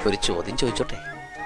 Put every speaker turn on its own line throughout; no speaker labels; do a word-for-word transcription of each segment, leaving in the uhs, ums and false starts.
ഒരു ചോദ്യം ചോദിച്ചോട്ടെ?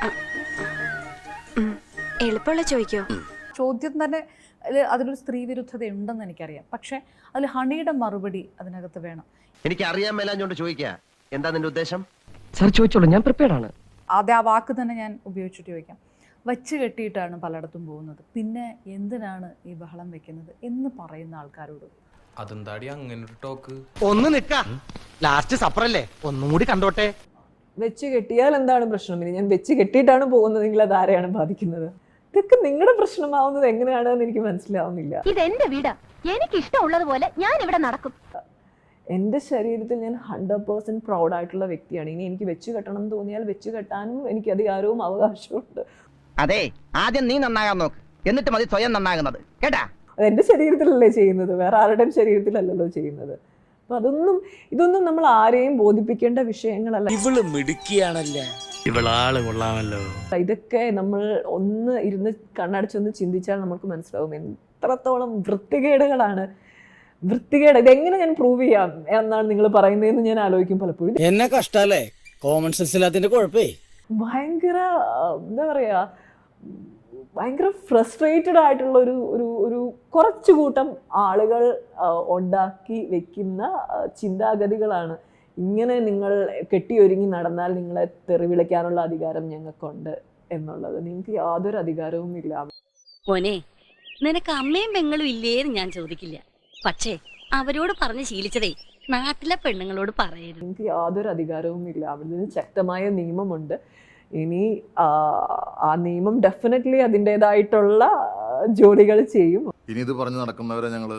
എളുപ്പമുള്ള ചോദിക്കോ?
ചോദ്യം തന്നെ അതിലൊരു സ്ത്രീ വിരുദ്ധത ഉണ്ടെന്ന് എനിക്കറിയാം. പക്ഷെ അതിൽ ഹണിയുടെ മറുപടി അതിനകത്ത് വേണം.
എനിക്ക് അറിയാൻ മേലാഞ്ഞോണ്ട് ചോദിക്കുക, എന്താ നിന്റെ ഉദ്ദേശം?
സാർ ചോദിച്ചോളൂ, ഞാൻ പ്രിപ്പയർഡ് ആണ്.
ആദ്യം ആ വാക്ക് തന്നെ ഞാൻ ഉപയോഗിച്ചിട്ട് ചോദിക്കാം. വച്ച് കെട്ടിയിട്ടാണ് പലയിടത്തും പോകുന്നത്, പിന്നെ എന്തിനാണ് ഈ ബഹളം വെക്കുന്നത് എന്ന് പറയുന്ന ആൾക്കാരോട്
അതെന്താടി അങ്ങനെ ഒരു ടോക്ക്?
ഒന്ന് നിക്ക, ലാസ്റ്റ് സപ്പറല്ലേ, ഒന്നും കൂടി കണ്ടോട്ടെ.
വെച്ച് കെട്ടിയാൽ എന്താണ് പ്രശ്നം? ഇനി ഞാൻ വെച്ച് കെട്ടിയിട്ടാണ് പോകുന്നതെങ്കിൽ അത് ആരെയാണ് ബാധിക്കുന്നത്? ഇതൊക്കെ നിങ്ങളുടെ പ്രശ്നമാവുന്നത് എങ്ങനെയാണെന്ന് എനിക്ക് മനസ്സിലാവുന്നില്ല.
ഇതെന്റെ വീട്, എനിക്ക് ഇഷ്ടമുള്ളതുപോലെ ഞാൻ ഇവിടെ നടക്കും.
എൻ്റെ ശരീരത്തിൽ ഞാൻ ഹൺഡ്രഡ് പേഴ്സെന്റ് പ്രൗഡ് ആയിട്ടുള്ള വ്യക്തിയാണ്. ഇനി എനിക്ക് വെച്ച് കെട്ടണം എന്ന് തോന്നിയാൽ വെച്ച് കെട്ടാനും എനിക്ക് അധികാരവും അവകാശവും.
അതെ, ആദ്യം നീ നന്നാകാൻ നോക്ക്, എന്നിട്ട് മതി സ്വയം നന്നാകുന്നത്, കേട്ടാ?
അത് എൻ്റെ ശരീരത്തിലല്ലേ ചെയ്യുന്നത്, വേറെ ആരുടെയും ശരീരത്തിലല്ലല്ലോ ചെയ്യുന്നത്. അപ്പൊ അതൊന്നും ഇതൊന്നും നമ്മൾ ആരെയും ബോധിപ്പിക്കേണ്ട വിഷയങ്ങളല്ല.
ഇവള് മിടുക്കിയാണല്ലേ, ഇവളാള് കൊള്ളാമല്ലോ.
ഇതൊക്കെ നമ്മൾ ഒന്ന് ഇരുന്ന് കണ്ണടച്ചൊന്ന് ചിന്തിച്ചാൽ നമുക്ക് മനസ്സിലാവും എത്രത്തോളം വൃത്തികേടുകളാണ്. വൃത്തികേട് ഇതെങ്ങനെ ഞാൻ പ്രൂവ് ചെയ്യാം എന്നാണ് നിങ്ങൾ പറയുന്നതെന്ന് ഞാൻ ആലോചിക്കും പലപ്പോഴും.
എന്നെ കഷ്ടല്ലേ, കോമൺ സെൻസ് ഇല്ലാത്തതിന്റെ കുഴപ്പേ.
ഭയങ്കര എന്താ പറയാ, ഭയങ്കര ഫ്രസ്ട്രേറ്റഡ് ആയിട്ടുള്ള ഒരു ഒരു ഒരു കുറച്ചു കൂട്ടം ആളുകൾ ഉണ്ടാക്കി വെക്കുന്ന ചിന്താഗതികളാണ്. ഇങ്ങനെ നിങ്ങൾ കെട്ടിയൊരുങ്ങി നടന്നാൽ നിങ്ങളെ തെറി വിളിക്കാനുള്ള അധികാരം ഞങ്ങൾക്കുണ്ട് എന്നുള്ളത്. നിങ്ങൾക്ക് യാതൊരു അധികാരവും ഇല്ല.
മോനെ, നിനക്ക് അമ്മയും പെങ്ങളും ഇല്ലേന്ന് ഞാൻ ചോദിക്കില്ല, പക്ഷേ അവരോട് പറഞ്ഞ് ശീലിച്ചതേ നാട്ടിലെ പെണ്ണുങ്ങളോട് പറയരുത്.
നിങ്ങൾക്ക് യാതൊരു അധികാരവും ഇല്ല. അവിടെ ശക്തമായ നിയമമുണ്ട്. ഇനി ആ നിയമം ഡെഫിനറ്റ്ലി അതിൻ്റെതായിട്ടുള്ള ജോലികൾ ചെയ്യും.
ഇനി ഇത് പറഞ്ഞു നടക്കുന്നവരെ ഞങ്ങൾ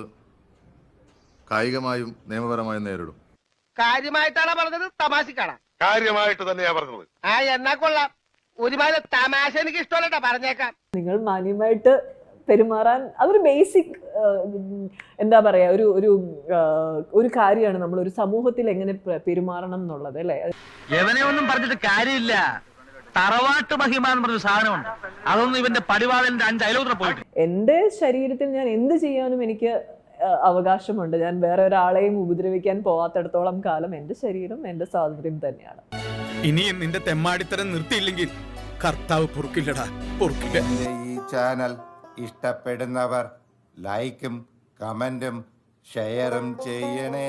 കായികമായും നിയമപരമായും നേരിടും.
കാര്യമായിട്ടാണ് പറഞ്ഞത്, തമാശക്കാണ്?
കാര്യമായിട്ട് തന്നെയാ പറഞ്ഞത്.
ആ എന്നാ കൊള്ളാം, ഒരുപാട് തമാശ എനിക്ക് ഇഷ്ടമല്ലട്ടാ, പറഞ്ഞേക്കാം.
നിങ്ങൾ മാന്യമായിട്ട് പെരുമാറാൻ അതൊരു ബേസിക് എന്താ പറയാ ഒരു ഒരു ഒരു കാര്യമാണ്. നമ്മൾ ഒരു സമൂഹത്തിൽ എങ്ങനെ പെരുമാറണം എന്നുള്ളത്, അല്ലേ?
എവനെ ഒന്നും പറഞ്ഞിട്ട് കാര്യമില്ല. തറവാട്ട് മഹിമ എന്ന് പറഞ്ഞ സാധനമുണ്ട്, അതൊന്നും ഇവന്റെ പടിവാളന്റെ അഞ്ച് അയലോത്ര പോയിട്ട്.
എൻ്റെ ശരീരത്തിൽ ഞാൻ എന്ത് ചെയ്യാനും എനിക്ക് അവകാശമുണ്ട്. ഞാൻ വേറെ ഒരാളെയും ഉപദ്രവിക്കാൻ പോവാത്തിടത്തോളം കാലം എൻ്റെ ശരീരം എൻ്റെ സ്വാതന്ത്ര്യം തന്നെയാണ്.
ഇനിയും നിന്റെ തെമ്മാടിത്തരം നിർത്തിയില്ലെങ്കിൽ കർത്താവ് പൊറുക്കില്ലടാ, പൊറുക്കില്ല.
ഈ ചാനൽ ഇഷ്ടപ്പെടുന്നവർ ലൈക്കും കമന്റും ഷെയറും ചെയ്യണേ.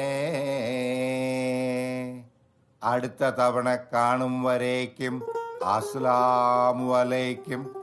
അടുത്ത തവണ കാണും വരേക്കും അസ്സലാമു അലൈക്കും.